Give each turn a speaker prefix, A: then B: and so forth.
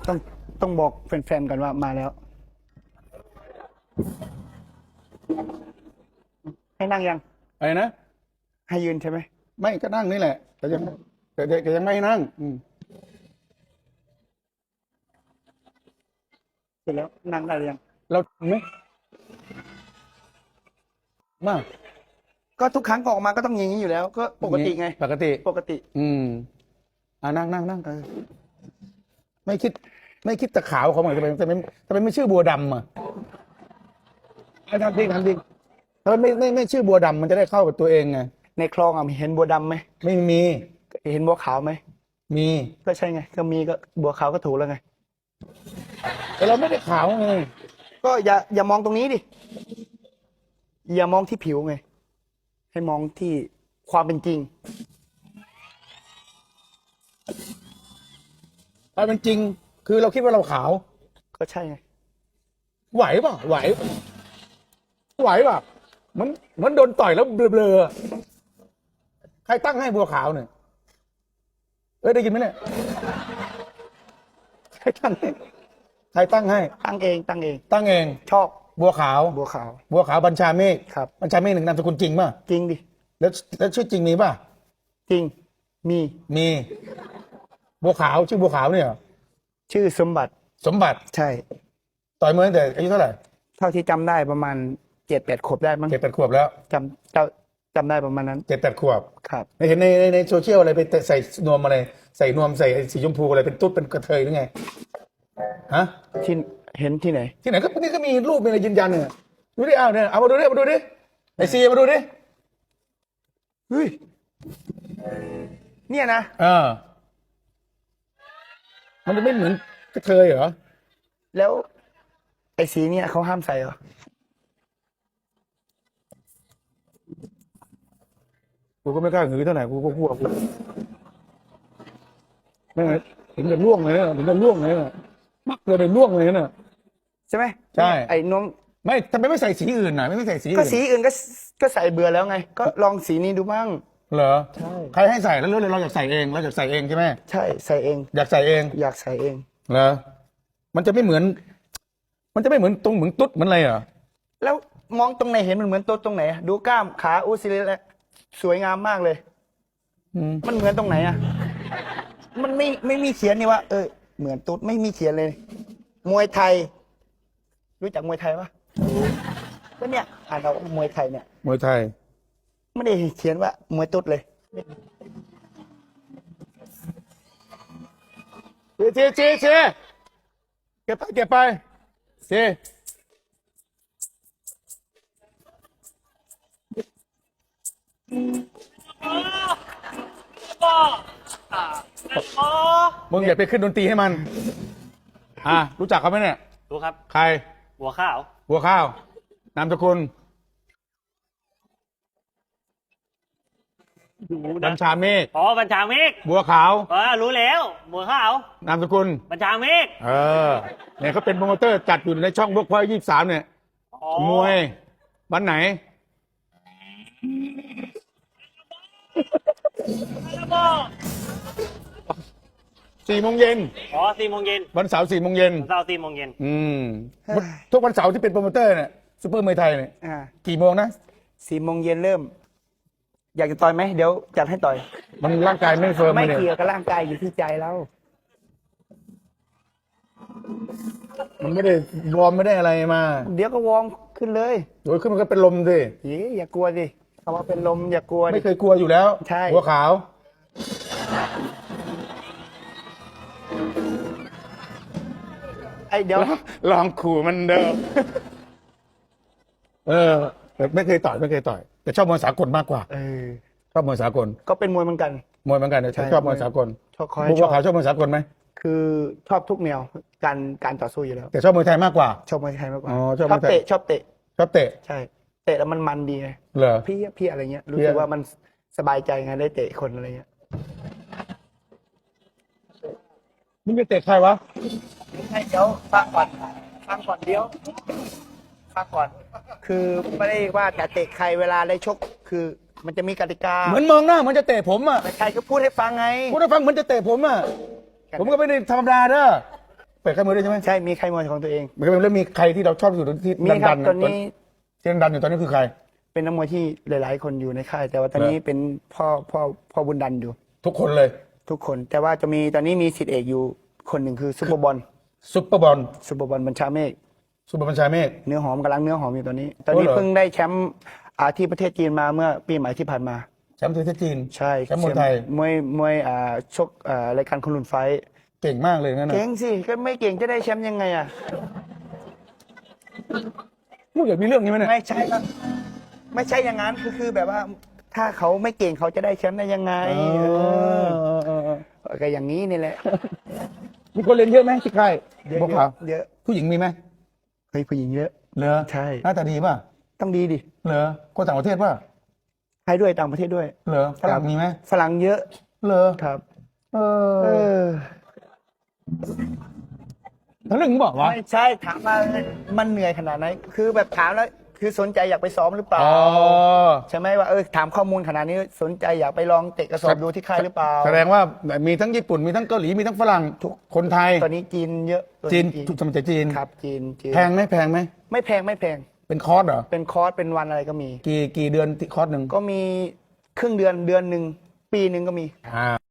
A: ต้องต้องบอกแฟนๆกันว่ามาแล้ว ให้นั่งยัง
B: อะไรนะ
A: ให้ยืนใช่ไหม
B: ไม่ก็นั่งนี่แหละแต่ยังไม่ให้นั่ง
A: เสร็จแล้วนั่งได้หรือยัง
B: เราทำไหมมาก
A: ก็ทุกครั้งออกมาก็ต้องอย่างนี้อยู่แล้ว ก็ปกติไง
B: ปกติ
A: ปกติ
B: นั่งไม่คิดตะขาวเขาเหมือนทำไมไม่ชื่อบัวดำอ่ะทำจริงทำไมไม่ชื่อบัวดำมันจะได้เข้ากับตัวเองไง
A: ในคลองเห็นบัวดำไหม
B: ไม่มี
A: เห็นบัวขาวไหม
B: มี
A: ก็ใช่ไงก็มีก็บัวขาวก็ถูกแล้วไง
B: แต่เราไม่ได้ขาวไง
A: ก็อย่ามองตรงนี้ดิอย่ามองที่ผิวไงให้มองที่ความเป็นจริง
B: ความเป็นจริงคือเราคิดว่าเราขาว
A: ก็ใช่ไง
B: ไหวป่ะไหวป่ะมันโดนต่อยแล้วเบลอใครตั้งให้บัวขาวเนี่ยได้ยินไหมเนี่ยใครตั้งให้
A: ตั้งเองชอบ
B: บัวขาวบัญชาเมฆ
A: ครับ
B: บัญชาเมฆหนึ่งนามสกุลจริงป่ะ
A: จริงดิ
B: แล้วชื่อจริงมีป่ะ
A: จริงมี
B: บัวขาวชื่อบัวขาวเนี่ย
A: ชื่อสมบัติใช่
B: ต่อยมวยตั้งแต่อายุเท่าไหร่
A: เท่าที่จำได้ประมาณ7-8 ขวบได้มั้ง
B: 7-8 ขวบแล้ว
A: จำได้ประมาณนั้น
B: 7-8 ขวบ
A: ครับ
B: ไม่เห็นในโซเชียลอะไรไปใส่นวมอะไรใส่นวมใส่สีชมพูอะไรเป็นตุ๊ดเป็นกระเทยหรือไงฮะ
A: ที่เห็นที่ไหน
B: ก็นี่ก็มีรูปมีอะไรยืนยันเนี่ยดูดิเอามาดูดิไอซีมาดูดิ
A: เฮ้ยเนี่ยนะ
B: มันจะไม่เหมือนกระเทยเหรอ
A: แล้วไอสีเนี่ยเขาห้ามใส่เหรอ
B: กูก็ไม่กล้าหือเท่าไหร่กูก็กลัวกูไม่ไงถึงจะล่วงเลยนะมักเลยเป็นล่วงเลยนะ
A: ใช่ไหม
B: ใช่
A: ไอ้น้อง
B: ไม่ทำไมไม่ใส่สีอื่นน่ะไม่ใส่สี
A: ก็สีอื่นก็ใส่เบื่อแล้วไงก็ลองสีนี้ดูบ้าง
B: เหรอ
A: ใช่
B: ใครให้ใส่แล้วเราอยากใส่เองใช่ไหม
A: ใช่ใส่เอง
B: อยากใส่เอง
A: เหรอ
B: มันจะไม่เหมือนตรงเหมือนตุ๊ดเหมือนอะไรเหรอ
A: แล้วมองตรงไหนเห็นมันเหมือนตุ๊ดตรงไหนดูกล้ามขาซิลิแล้วสวยงามมากเลยมันเหมือนตรงไหนมันไม่มีเขียนนี่ว่าเหมือนตุ๊ดไม่มีเขียนเลยมวยไทยรู้จักมวยไทยปะก็เนี่ยอ่านเอามวยไทยเนี่ย
B: มวยไทย
A: ไม่ได้เขียนว่ามวยตุ๊ดเลย
B: เก็บไปเจ๊มึงอย่าไปขึ้นดนตรีให้มันรู้จักเขาไหมเนี่ย
C: รู้ครับ
B: ใคร
C: บัวข้า
B: วนามสกุลบัญชาเมฆ
C: บัญชาเมฆ
B: บัวขาว
C: รู้แล้วบัวข้าวน
B: ามสกุล
C: บัญชาเมฆ
B: เนี่ยเขาเป็นโปรโมเตอร์จัดอยู่ในช่องพวกพ่อ23เนี่ยมวยวันไหน4 โมงเย็น
C: 4 โมงเย็น
B: วันเสาร์4 โมงเย็นทุกวันเสาร์ที่เป็นโปรโมเตอร์เนี่ยซุปเปอร์มวยไทยเนี่ยกี่โมงนะ
A: 4 โมงเย็นเริ่มอยากจะต่อยไหมเดี๋ยวจัดให้ต่อย
B: มันร่างกายไม่เฟิร์ม
A: ไม่เกี่ยวกับร่างกายอยู่ที่ใจเรา
B: มันไม่ได้วอร์มไม่ได้อะไรมา
A: เดี๋ยวก็วอร์มขึ้นเลย
B: โดยขึ้นมันก็เป็นลมสิ
A: อย่ากลัวสิคำว่าเป็นลมอย่ากลัว
B: ไม่เคยกลัวอยู่แล้ว
A: ใช่
B: หัวขาว
A: เดี๋ยว
B: ลองขู่มันเดิมไม่เคยต่อยแต่ชอบมวยสากลมากกว่าชอบมวยสากล
A: ก็เป็นมวยเหมือนกัน
B: แต่ชอบมวยสากลบัวขาวชอบมวยสากลไหม
A: คือชอบทุกแนวการต่อสู้อยู่แล้ว
B: แต่ชอบมวยไทยมากกว่า
A: ชอบมวยไทยมากกว่า
B: ชอบเตะ
A: ชอบเตะใช่เตะแล้วมันดีไง
B: เหรอ
A: พี่อะไรเงี้ยรู้สึกว่ามันสบายใจไงได้เตะคนอะไรเงี้ย
B: มึงจะเตะใครวะ
A: ให้เดี๋ยวฟังก่อนเดี๋ยวฟังก่อนคือไม่ได้ว่าจะเตะใครเวลาได้ชกคือมันจะมีกติกา
B: เหมือนมองหน้ามันจะเตะผม
A: ไม่ใครก็พูดให้ฟังไง
B: พูดให้ฟังเหมือนจะเตะผมผมก็ไม่ได้ธรรมดาเด้อปิดค่ายมวยด้วยใช่ไหม
A: ใช่มีค่ายมวยของตัวเอง
B: ไม่แล้วมีใครที่เราชอบที่สุดที่
A: มีครั
B: ดั
A: บ
B: นๆ
A: ตอนนี้
B: ที่ดันๆอยู่ตอนนี้คือใคร
A: เป็นนักมวยที่หลายๆ คนอยู่ในค่าย แต่ว่าตอนนี้
B: เหรอ
A: เป็นพ่อบุญดันอยู่
B: ทุกคนเลย
A: ทุกคน แต่ว่าจะมีตอนนี้มีศิษย์เอกอยู่คนหนึ่งคือซุปเปอร์บอล
B: ซุปเปอร์บอล
A: บัญชาเมฆ
B: ซุปเปอร์บัญชาเมฆ
A: เนื้อหอมกำลังเนื้อหอมอยู่ตอนนี้ ตอนนี้
B: เหรอ
A: เพิ่งได้แชมป์ที่ประเทศจีนมาเมื่อปีใหม่ที่ผ่านมา
B: แชมป์ประเทศจีน
A: ใช่
B: แชมป์มวยไทย
A: มวยชกรายการคนรุ่นไฟท์
B: เก่งมากเลยงั้นนะ
A: เก่งสิก็ไม่เก่งจะได้แชมป์ยังไงอ่ะ
B: พูดอย่างมีเรื่องนี้ไหมเนี่ย
A: ไม่ใช่ครับไม่ใช่อย่างนั้นคือแบบว่า ถ้าเขาไม่เก่งเขาจะได้แชมป์ได้ยังไงก็อย่างนี้นี่แหละ
B: มีคนเรียนเยอะไหมที่ค่าย
A: เยอะ
B: บัวขาว
A: เยอะ
B: ผู้หญิงมีไหม
A: เฮ้ยผู้หญิงเยอะ
B: เหรอ
A: ใช่
B: หน้าตาดีป่ะ
A: ต้องดีดิ
B: เหรอคนต่างประเทศป่ะ
A: ไทยด้วยต่างประเทศด้วย
B: เหรอฝรั่งมีไหม
A: ฝรั่งเยอะ
B: เหรอ
A: ครับ
B: เอ
A: เอ
B: อ
A: อ
B: ทั้งเรื่องมึงบอกวะ
A: ไม่ใช่ถามว่ามันเหนื่อยขนาดไหนคือแบบถามแล้วคือสนใจอยากไปซ้อมหรือเปล่า
B: อ๋อ
A: ใช่ไหมว่าถามข้อมูลขนาดนี้สนใจอยากไปลองเตะกระสอบดูที่ค่ายหรือเปล่า
B: แสดงว่ามีทั้งญี่ปุ่นมีทั้งเกาหลีมีทั้งฝรั่งคนไทย
A: ตอนนี้จีนเยอะตัว
B: จีนถูกสมัยจีน
A: ครับจีน
B: แพงไหมแพงไหม
A: ไม่แพงไม่แพง
B: เป็นคอร์สเหรอ
A: เป็นคอร์สเป็นวันอะไรก็มี
B: กี่เดือนที่คอร์สหนึ่ง
A: ก็มีครึ่งเดือนเดือนหนึ่งปีหนึ่งก็มี
B: อ่า